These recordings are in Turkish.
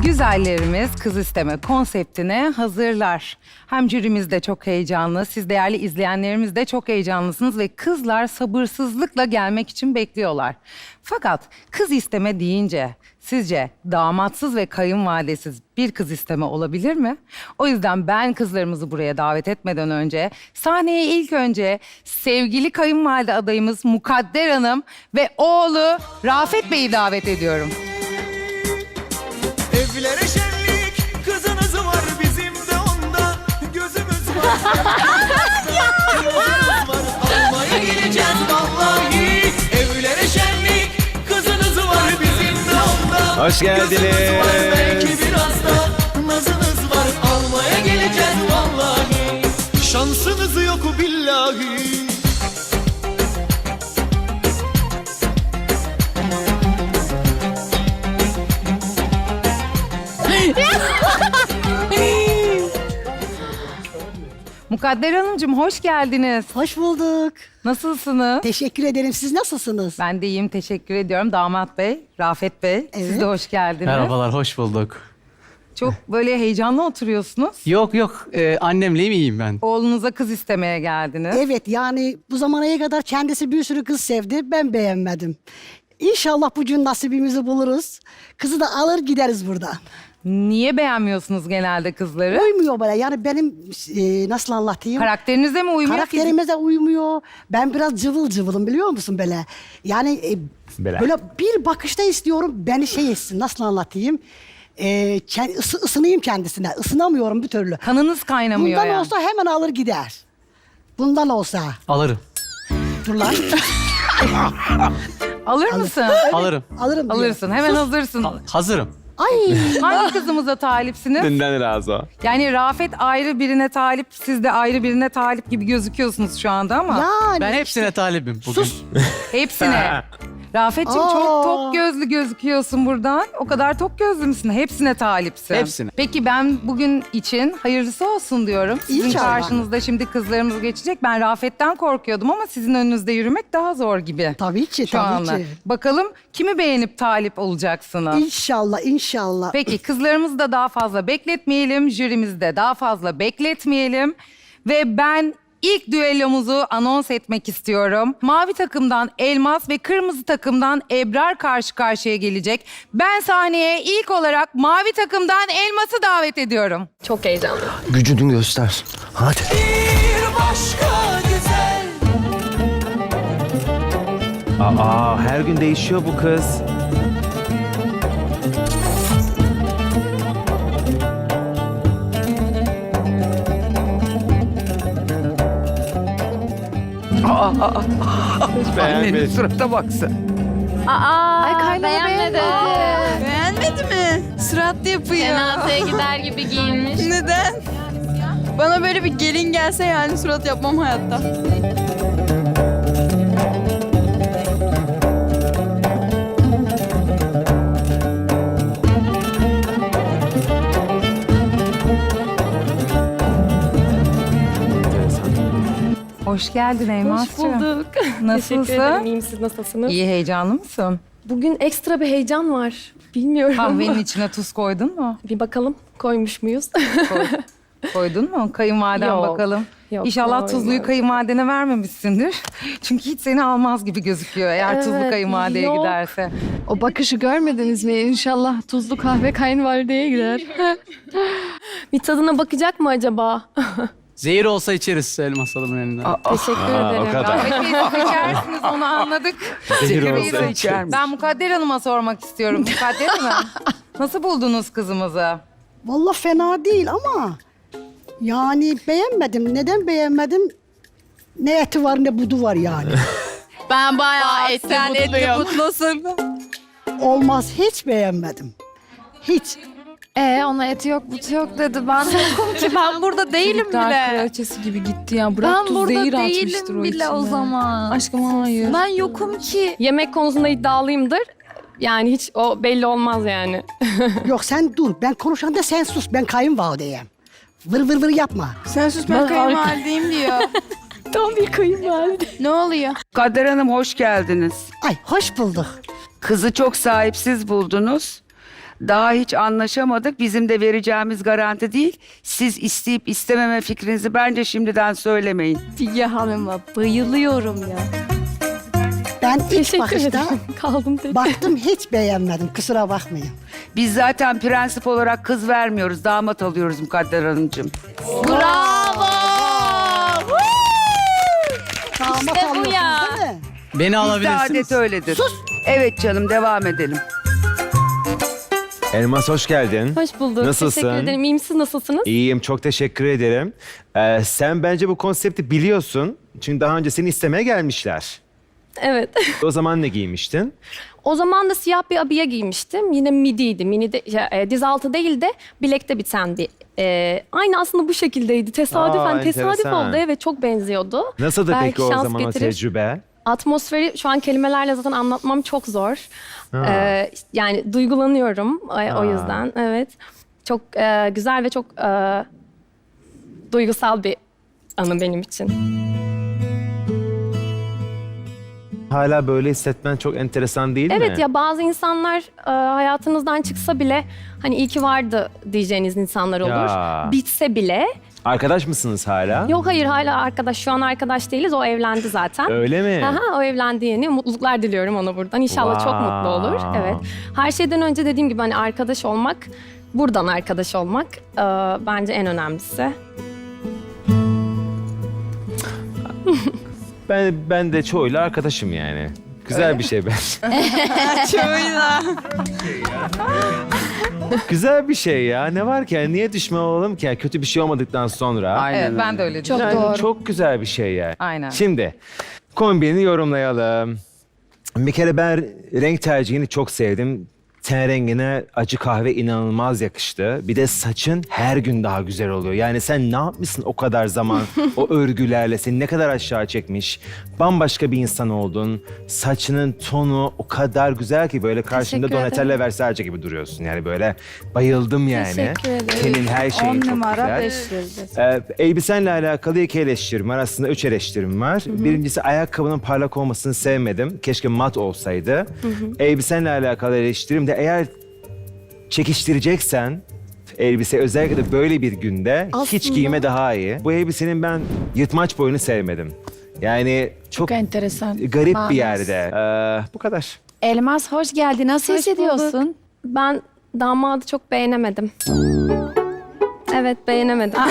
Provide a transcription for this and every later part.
Güzellerimiz kız isteme konseptine hazırlar. Hem jürimiz de çok heyecanlı, siz değerli izleyenlerimiz de çok heyecanlısınız ve kızlar sabırsızlıkla gelmek için bekliyorlar. Fakat kız isteme deyince sizce damatsız ve kayınvalidesiz bir kız isteme olabilir mi? O yüzden ben kızlarımızı buraya davet etmeden önce sahneye ilk önce sevgili kayınvalide adayımız Mukadder Hanım ve oğlu Rafet Bey'i davet ediyorum. Evlere şenlik, kızınız var, bizim de onda gözümüz var. Gözümüz var, almaya geleceğiz vallahi. Evlere şenlik, kızınız var, bizim de onda. Hoş geldiniz. Gözümüz var, belki biraz da nazınız var, almaya geleceğiz vallahi. Şansınız yok billahi. Mukadder Hanımcığım hoş geldiniz. Hoş bulduk. Nasılsınız? Teşekkür ederim. Siz nasılsınız? Ben de iyiyim, teşekkür ediyorum. Damat Bey, Rafet Bey, siz Evet. de hoş geldiniz. Merhabalar, hoş bulduk. Çok böyle heyecanlı oturuyorsunuz. Yok, annemleyim iyiyim ben. Oğlunuza kız istemeye geldiniz. Evet, yani bu zamana kadar kendisi bir sürü kız sevdi. Ben beğenmedim. İnşallah bugün nasibimizi buluruz. Kızı da alır gideriz burada. Niye beğenmiyorsunuz genelde kızları? Uymuyor bana. Yani benim nasıl anlatayım? Karakterinize mi uymuyor? Karakterimize uymuyor. Ben biraz cıvıl cıvılım biliyor musun böyle? Yani böyle bir bakışta istiyorum beni şey etsin. Nasıl anlatayım? Isınayım kendisine. Isınamıyorum bir türlü. Kanınız kaynamıyor Bundan yani. olsa hemen alır gider. Bundan olsa. Alırım, Dur lan. Alır mısın? alırım. Alırım diyor. Alırsın, hemen hazırsın. Hazırım. Ay. Hangi kızımıza talipsiniz? Dünden razı o. Yani Rafet ayrı birine talip, siz de ayrı birine talip gibi gözüküyorsunuz şu anda ama. Yani. Ben hepsine talibim bugün. Sus. Hepsine. Rafet'ciğim çok Aa. tok gözlü gözüküyorsun buradan. O kadar tok gözlü müsün? Hepsine talipsin. Hepsine. Peki ben bugün için hayırlısı olsun diyorum. Sizin İnşallah. karşınızda şimdi kızlarımız geçecek. Ben Rafet'ten korkuyordum ama sizin önünüzde yürümek daha zor gibi. Tabii ki, Şu tabii anda. ki. Bakalım kimi beğenip talip olacaksınız? İnşallah, inşallah. Peki kızlarımızı da daha fazla bekletmeyelim. Jürimizi de daha fazla bekletmeyelim. Ve ben ilk düellomuzu anons etmek istiyorum. Mavi takımdan Elmas ve kırmızı takımdan Ebrar karşı karşıya gelecek. Ben sahneye ilk olarak mavi takımdan Elmas'ı davet ediyorum. Çok heyecanlı. Gücünü göster. Hadi. Bir başka güzel. Aa, her gün değişiyor bu kız. Annenin surata baksın. Ay beğenmedi. Beğenmedi mi? Suratlı yapıyor. Cenazeye gider gibi giyinmiş. Neden? Bana böyle bir gelin gelse yani surat yapmam hayatta. Hoş geldin Elmas'cığım. Hoş bulduk. Teşekkür ederim. Nasılsın? İyiyim, siz nasılsınız? İyi, heyecanlı mısın? Bugün ekstra bir heyecan var. Bilmiyorum. Kahvenin içine tuz koydun mu? Bir bakalım koymuş muyuz? Koydun mu? Kayınvaliden Yok, bakalım. yok, İnşallah tuzluyu koymadım. kayınvalidene vermemişsindir. Çünkü hiç seni almaz gibi gözüküyor eğer tuzlu Evet, kayınvalideye yok. giderse. O bakışı görmediniz mi? İnşallah tuzlu kahve kayınvalideye gider. Bir tadına bakacak mı acaba? Zehir olsa içeriz Elmas Hanım'ın elinden. Teşekkür ederim. o kadar. Rafet Bey siz içersiniz onu anladık. Zehir Bey olsa de- içer Ben Mukadder Hanım'a sormak istiyorum. Mukadder Hanım nasıl buldunuz kızımızı? Vallahi fena değil ama yani beğenmedim. Neden beğenmedim? Ne eti var ne budu var yani. Ben bayağı etli mutlusun. Olmaz, hiç beğenmedim. Hiç. Ona eti yok, butu yok dedi. Ben de yokum ki ben burada değilim bile. kraliçesi gibi gitti ya. Bırak Ben tuz burada zehir atmıştır değilim o bile o içine. zaman. Aşkım hayır. Ben yokum ki. Yemek konusunda iddialıyımdır. Yani hiç o belli olmaz yani. Yok sen dur. Ben konuşanda sen sus. Ben kayınvalideyim. Vır vır vır yapma. Sen sus ben kayınvalideyim diyor. Tam bir kayınvalide. Ne oluyor? Kader Hanım hoş geldiniz. Ay hoş bulduk. Kızı çok sahipsiz buldunuz. Daha hiç anlaşamadık. Bizim de vereceğimiz garanti değil. Siz isteyip istememe fikrinizi bence şimdiden söylemeyin. Figen Hanım'a bayılıyorum ya. Ben ilk Teşekkür bakışta ederim. Kaldım tek. baktım hiç beğenmedim. Kusura bakmayın. Biz zaten prensip olarak kız vermiyoruz, damat alıyoruz Mukadder Hanımcığım. Bravo! Damat İşte bu alıyorsunuz ya. değil mi? Beni Bizde alabilirsiniz. adet öyledir. Sus. Evet canım, devam edelim. Elmas hoş geldin. Hoş bulduk. Nasılsın? Teşekkür ederim. İyiyim, siz nasılsınız? İyiyim, çok teşekkür ederim. Sen bence bu konsepti biliyorsun. Çünkü daha önce seni istemeye gelmişler. Evet. O zaman ne giymiştin? O zaman da siyah bir abiye giymiştim. Yine midiydi. Mini de, diz altı değil de bilekte biten bir. Aynı aslında bu şekildeydi. Tesadüfen tesadüf enteresan. oldu. Evet, çok benziyordu. Nasıldı Belki peki o şans zaman o getirir. tecrübe? Atmosferi şu an kelimelerle zaten anlatmam çok zor. Yani duygulanıyorum o yüzden. Evet. Çok güzel ve çok duygusal bir anı benim için. Hala böyle hissetmen çok enteresan değil mi? Evet ya, bazı insanlar hayatınızdan çıksa bile hani iyi ki vardı diyeceğiniz insanlar olur. Ya. Bitse bile. Arkadaş mısınız hala? Yok, hayır, hala arkadaş. Şu an arkadaş değiliz. O evlendi zaten. Öyle mi? Aha, o evlendi yeni. Mutluluklar diliyorum ona buradan. İnşallah çok mutlu olur. Evet. Her şeyden önce dediğim gibi hani arkadaş olmak, buradan arkadaş olmak bence en önemlisi. Ben de çoğuyla arkadaşım yani. Güzel bir şey ben. Çoğuyla. Güzel bir şey ya. Ne var ki? Yani niye düşman olalım ki? Yani kötü bir şey olmadıktan sonra. Aynen Evet, öyle. ben de öyle Çok düşünüyorum. doğru. Çok güzel bir şey yani. Aynen. Şimdi kombini yorumlayalım. Bir kere ben renk tercihini çok sevdim. Ten rengine acı kahve inanılmaz yakıştı. Bir de saçın her gün daha güzel oluyor. Yani sen ne yapmışsın o kadar zaman o örgülerle, seni ne kadar aşağı çekmiş. Bambaşka bir insan oldun. Saçının tonu o kadar güzel ki böyle karşında Teşekkür Donatella Versace gibi duruyorsun. Yani böyle bayıldım yani. Teşekkür ederim. Senin her şeyin 10 çok numara güzel. 5 yıldız. Elbisenle alakalı 2 eleştirim var. Aslında 3 eleştirim var. Birincisi ayakkabının parlak olmasını sevmedim. Keşke mat olsaydı. Elbisenle alakalı eleştirim de eğer çekiştireceksen elbise özellikle de böyle bir günde hiç Aslında- giyme daha iyi. Bu elbisenin ben yırtmaç boyunu sevmedim. Yani çok Çok enteresan. garip Manası. bir yerde. Bu kadar. Elmas hoş geldin. Nasıl Hoş hissediyorsun? bulduk. Ben damadı çok beğenemedim. Evet, beğenemedim.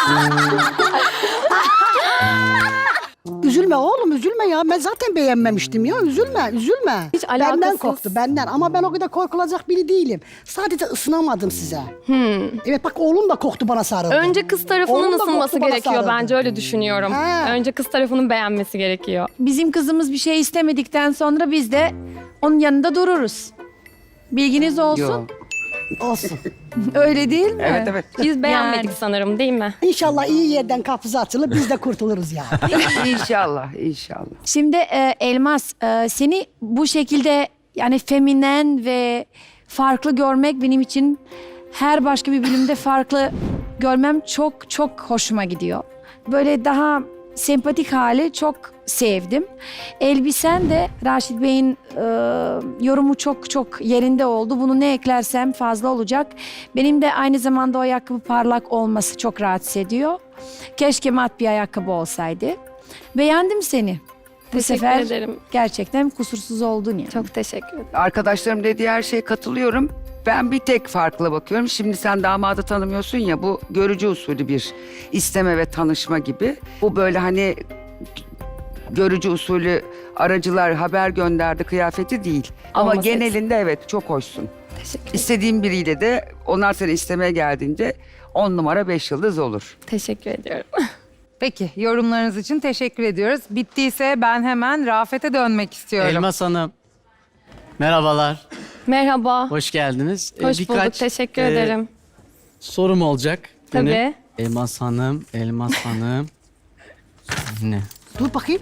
Üzülme oğlum, üzülme ya. Ben zaten beğenmemiştim ya. Üzülme, üzülme. Hiç Benden alakasız. korktu, benden. Ama ben o kadar korkulacak biri değilim. Sadece ısınamadım size. Evet bak, oğlum da korktu, bana sarıldı. Önce kız tarafının Oğlum da ısınması korktu, bana gerekiyor, sarıldı. bence öyle düşünüyorum. Ha. Önce kız tarafının beğenmesi gerekiyor. Bizim kızımız bir şey istemedikten sonra biz de onun yanında dururuz. Bilginiz olsun. Yo. Olsun. Öyle değil mi? Evet evet. Biz beğenmedik Yani. sanırım, değil mi? İnşallah iyi yerden kapısı açılır, biz de kurtuluruz ya. İnşallah, inşallah. Şimdi Elmas, seni bu şekilde yani feminen ve farklı görmek benim için her başka bir bölümde farklı görmem çok çok hoşuma gidiyor. Böyle daha sempatik hali çok sevdim. Elbisen de Raşit Bey'in yorumu çok çok yerinde oldu. Bunu ne eklersem fazla olacak. Benim de aynı zamanda o ayakkabı parlak olması çok rahatsız ediyor. Keşke mat bir ayakkabı olsaydı. Beğendim seni. Bu Teşekkür sefer ederim. gerçekten kusursuz oldun yani. Çok teşekkür ederim. Arkadaşlarım dediği her şeye katılıyorum. Ben bir tek farklı bakıyorum. Şimdi sen damadı tanımıyorsun ya, bu görücü usulü bir isteme ve tanışma gibi. Bu böyle hani görücü usulü aracılar haber gönderdi kıyafeti değil. Ama Olması genelinde evet çok hoşsun. Teşekkür ederim. İstediğin biriyle de onlar seni istemeye geldiğinde 10 numara 5 yıldız olur. Teşekkür ediyorum. Peki, yorumlarınız için teşekkür ediyoruz. Bittiyse ben hemen Rafet'e dönmek istiyorum. Elmas Hanım. Merhabalar. Merhaba. Hoş geldiniz. Hoş bulduk. Teşekkür ederim. Sorum olacak. benim. Tabii. Elmas Hanım, Elmas Hanım. Ne? Dur bakayım.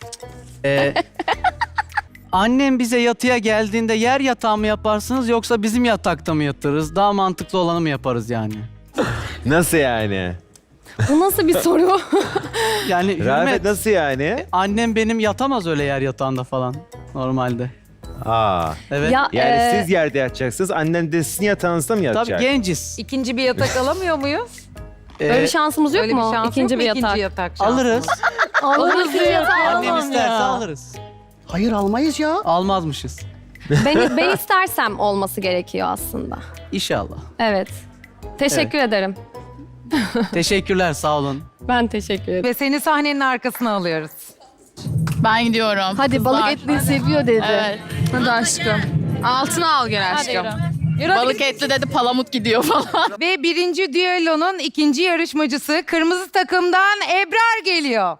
Annem bize yatıya geldiğinde yer yatağı mı yaparsınız yoksa bizim yatakta mı yatırız? Daha mantıklı olanı mı yaparız yani? Nasıl yani? Bu nasıl bir soru? Yani Rafet Hürmet, nasıl yani? annem benim yatamaz öyle yer yatağında falan normalde. Aa. Evet. Ya, Yani siz yerde yatacaksınız, annen de sizin yatağınızda mı Tabii yatacak? genciz. İkinci bir yatak alamıyor muyuz? Öyle bir şansımız yok Öyle mu? bir şans İkinci yok bir mu? yatak. İkinci yatak şansı. Alırız. Alırız diyor. Annem isterse alırız. Hayır almayız ya. Almazmışız. Ben istersem olması gerekiyor aslında. İnşallah. Evet. Teşekkür ederim. Teşekkürler, sağ olun. Ben teşekkür ederim. Ve seni sahnenin arkasına alıyoruz. Ben gidiyorum. Hadi balık Kızlar. etli seviyor dedi. Evet. Hadi aşkım. Altına al gel aşkım. Balık etli dedi palamut gidiyor falan. Ve birinci düellonun ikinci yarışmacısı kırmızı takımdan Ebrar geliyor.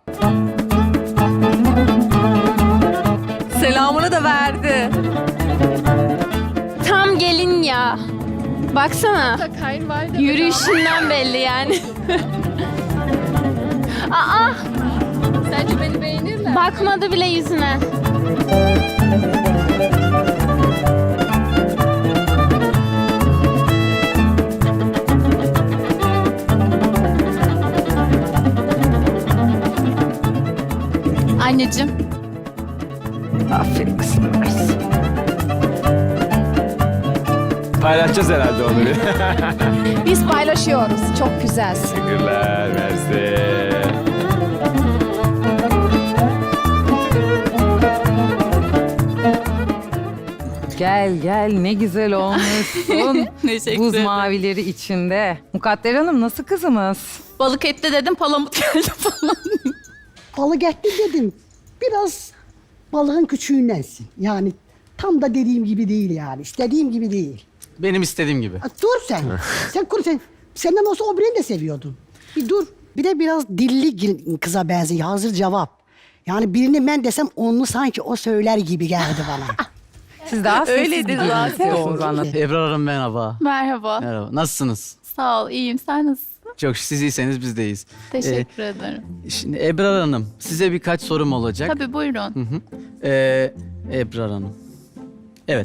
Selamını da verdi. Tam gelin ya. Baksana. Yürüyüşünden belli yani. Aa! Sence beni beğenir mi? Bakmadı bile yüzüne. Anneciğim. Aferin kızım. Paylaşacağız herhalde onu bir. Biz paylaşıyoruz. Çok güzelsin. Teşekkürler, mersi. Gel gel ne güzel olmuşsun. Teşekkür Buz ederim. mavileri içinde. Mukadder Hanım nasıl kızımız? Balık etli dedim palamut geldi falan. Balık etli dedim. Biraz balığın küçüğündensin. Yani tam da dediğim gibi değil yani. İstediğim gibi değil. Benim istediğim gibi. Ha, dur sen. Sen kur sen. Senden olsa o birini de seviyordun. Bir dur. Bir de biraz dilli kıza benziyor. Hazır cevap. Yani birini ben desem onu sanki o söyler gibi geldi bana. Siz daha sessiz Öyledir bir zaten. istiyorsunuz anladım. Ebrar Hanım merhaba. Merhaba. Merhaba. Nasılsınız? Sağ ol. İyiyim. Sen nasılsın? Çok siz iyiyseniz biz de iyiyiz. Teşekkür ederim. Şimdi Ebrar Hanım, size birkaç sorum olacak. Tabii buyurun. Hı hı. Ebrar Hanım. Evet.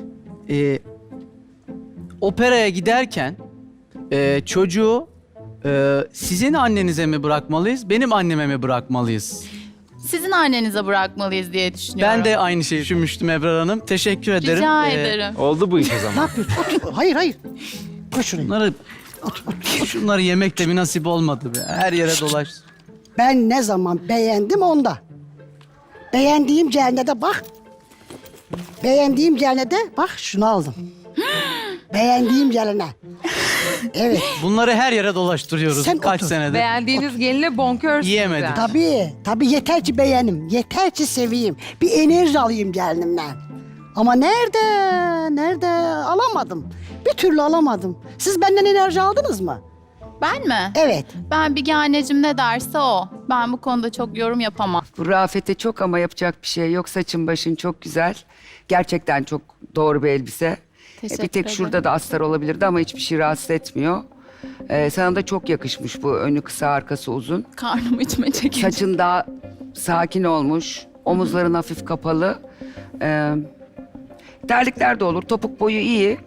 Operaya giderken çocuğu sizin annenize mi bırakmalıyız, benim anneme mi bırakmalıyız? Sizin annenize bırakmalıyız diye düşünüyorum. Ben de aynı şeyi düşünmüştüm Ebrar Hanım. Teşekkür ederim. Rica ederim. Oldu bu iş o Ne zaman. yapıyorsun? Otur. Hayır hayır. Koş şuraya. Şunları yemek de bir nasip olmadı be. Her yere dolaş. Ben ne zaman beğendim onda. Beğendiğim cennete bak. Beğendiğim cennete bak şunu aldım. Beğendiğim celine. Evet. Bunları her yere dolaştırıyoruz Sen kaç otur. senedir. Beğendiğiniz gelinle bonkörsünüz. Yiyemedik. yani. Tabii yeter ki beğenim. Yeter ki seveyim. Bir enerji alayım gelinimden. Ama nerede alamadım. Bir türlü alamadım. Siz benden enerji aldınız mı? Ben mi? Evet. Ben bir anneciğim ne derse o. Ben bu konuda çok yorum yapamam. Bu Rafet'e çok ama yapacak bir şey yok. Saçın başın çok güzel. Gerçekten çok doğru bir elbise. Teşekkür Bir tek ederim. şurada da astar olabilirdi ama hiçbir şey rahatsız etmiyor. Sana da çok yakışmış bu önü kısa arkası uzun. Karnım içime çekince. Saçın daha sakin olmuş. Omuzların hafif kapalı. Terlikler de olur. Topuk boyu iyi.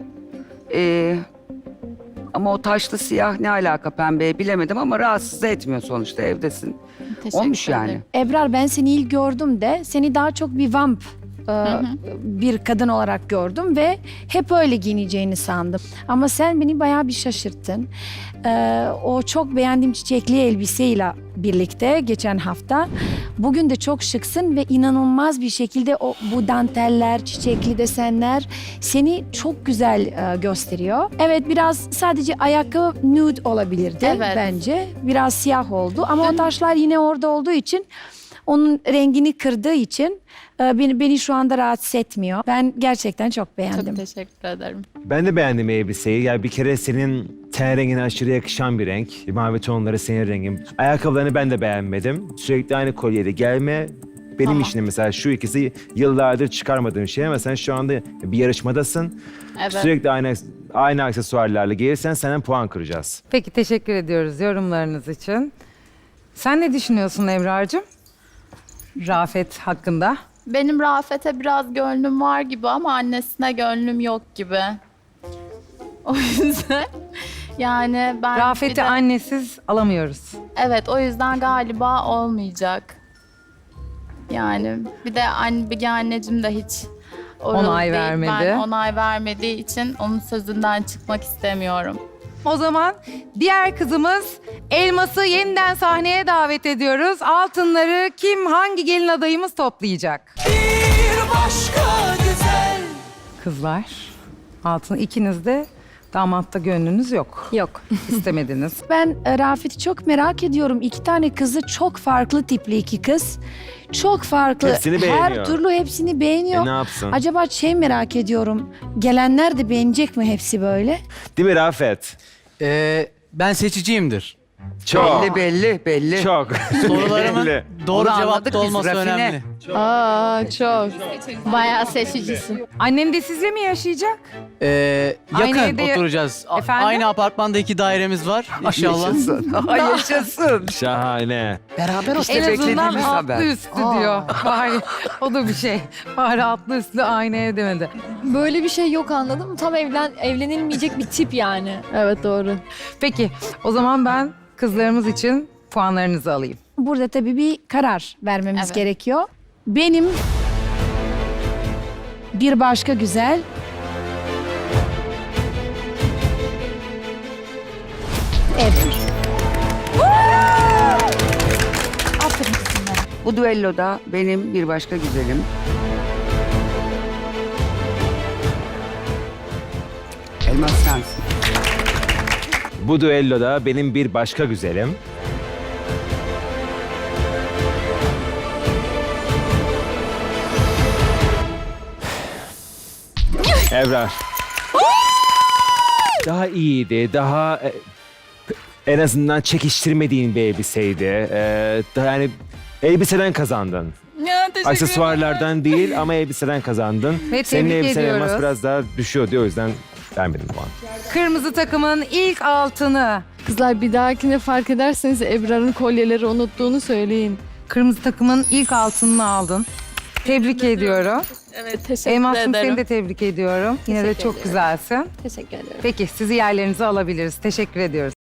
Ama o taşlı siyah ne alaka pembeye bilemedim ama rahatsız da etmiyor sonuçta evdesin. Teşekkür Olmuş yani. ederim. Ebrar ben seni ilk gördüm de seni daha çok bir vamp bir kadın olarak gördüm ve hep öyle giyineceğini sandım. Ama sen beni bayağı bir şaşırttın. O çok beğendiğim çiçekli elbiseyle birlikte geçen hafta. Bugün de çok şıksın ve inanılmaz bir şekilde bu danteller, çiçekli desenler seni çok güzel gösteriyor. Evet biraz sadece ayakkabı nude olabilirdi Evet. bence. Biraz siyah oldu ama o taşlar yine orada olduğu için onun rengini kırdığı için beni şu anda rahatsız etmiyor. Ben gerçekten çok beğendim. Çok teşekkür ederim. Ben de beğendim elbiseyi. Yani bir kere senin ten rengine aşırı yakışan bir renk. Mavi tonları senin rengin. Ayakkabılarını ben de beğenmedim. Sürekli aynı kolyeli gelme. Benim Tamam. için mesela şu ikisi yıllardır çıkarmadığım şey ama sen şu anda bir yarışmadasın. Evet. Sürekli aynı aksesuarlarla gelirsen senden puan kıracağız. Peki teşekkür ediyoruz yorumlarınız için. Sen ne düşünüyorsun Ebrar'cığım? Rafet hakkında. Benim Rafet'e biraz gönlüm var gibi ama annesine gönlüm yok gibi. O yüzden yani ben bir Rafet'i de- annesiz alamıyoruz. Evet o yüzden galiba olmayacak. Yani bir de bir anneciğim de hiç oralı Onay değil. vermedi. Ben onay vermediği için onun sözünden çıkmak istemiyorum. O zaman diğer kızımız Elmas'ı yeniden sahneye davet ediyoruz. Altınları kim, hangi gelin adayımız toplayacak? Bir başka güzel. Kızlar, altın ikiniz de damatta gönlünüz yok. Yok. İstemediniz. Ben Rafet'i çok merak ediyorum. 2 tane kızı çok farklı tipli 2 kız. Çok farklı. Hepsini beğeniyor. Her türlü hepsini beğeniyor. Ne yapsın? Acaba merak ediyorum. Gelenler de beğenecek mi hepsi böyle? Değil mi Rafet? Ben seçiciyimdir. Çok. Belli. Çok. Sorularımın Belli. doğru Onu cevapta anladık biz, olması rafine. önemli. Aa çok. Bayağı seçicisin. Annen de sizle mi yaşayacak? Yakın Aynı evde- oturacağız. Efendim? Aynı apartmanda 2 dairemiz var inşallah. Yaşasın. Şahane. Beraber olsun. En azından beklediğimiz altlı haber. üstü diyor. Bari o da bir şey. Bari altlı üstlü aynı ev demedi. Böyle bir şey yok, anladın mı? Tam evlenilmeyecek bir tip yani. Evet doğru. Peki o zaman ben kızlarımız için puanlarınızı alayım. Burada tabii bir karar vermemiz Evet. gerekiyor. Benim bir başka güzel. Evet. Aferin kızım benim. Bu düelloda benim bir başka güzelim. Elmas sensin. Bu düelloda benim bir başka güzelim. Ebrar. Daha iyiydi, daha en azından çekiştirmediğin bir elbiseydi. Daha yani elbiseden kazandın. Aksesuarlardan değil ama elbiseden kazandın. Ve Senin tebrik elbisen ediyoruz. Elmas biraz daha düşüyordu o yüzden vermedim puan. Kırmızı takımın ilk altını. Kızlar bir dahakine fark ederseniz Ebrar'ın kolyeleri unuttuğunu söyleyin. Kırmızı takımın ilk altınını aldın. Tebrik ediyorum. Evet teşekkür Elmas'cığım ederim. seni de tebrik ediyorum. Yine de Teşekkür çok ediyorum. güzelsin. Teşekkür ederim. Peki sizi yerlerinize alabiliriz. Teşekkür ediyoruz.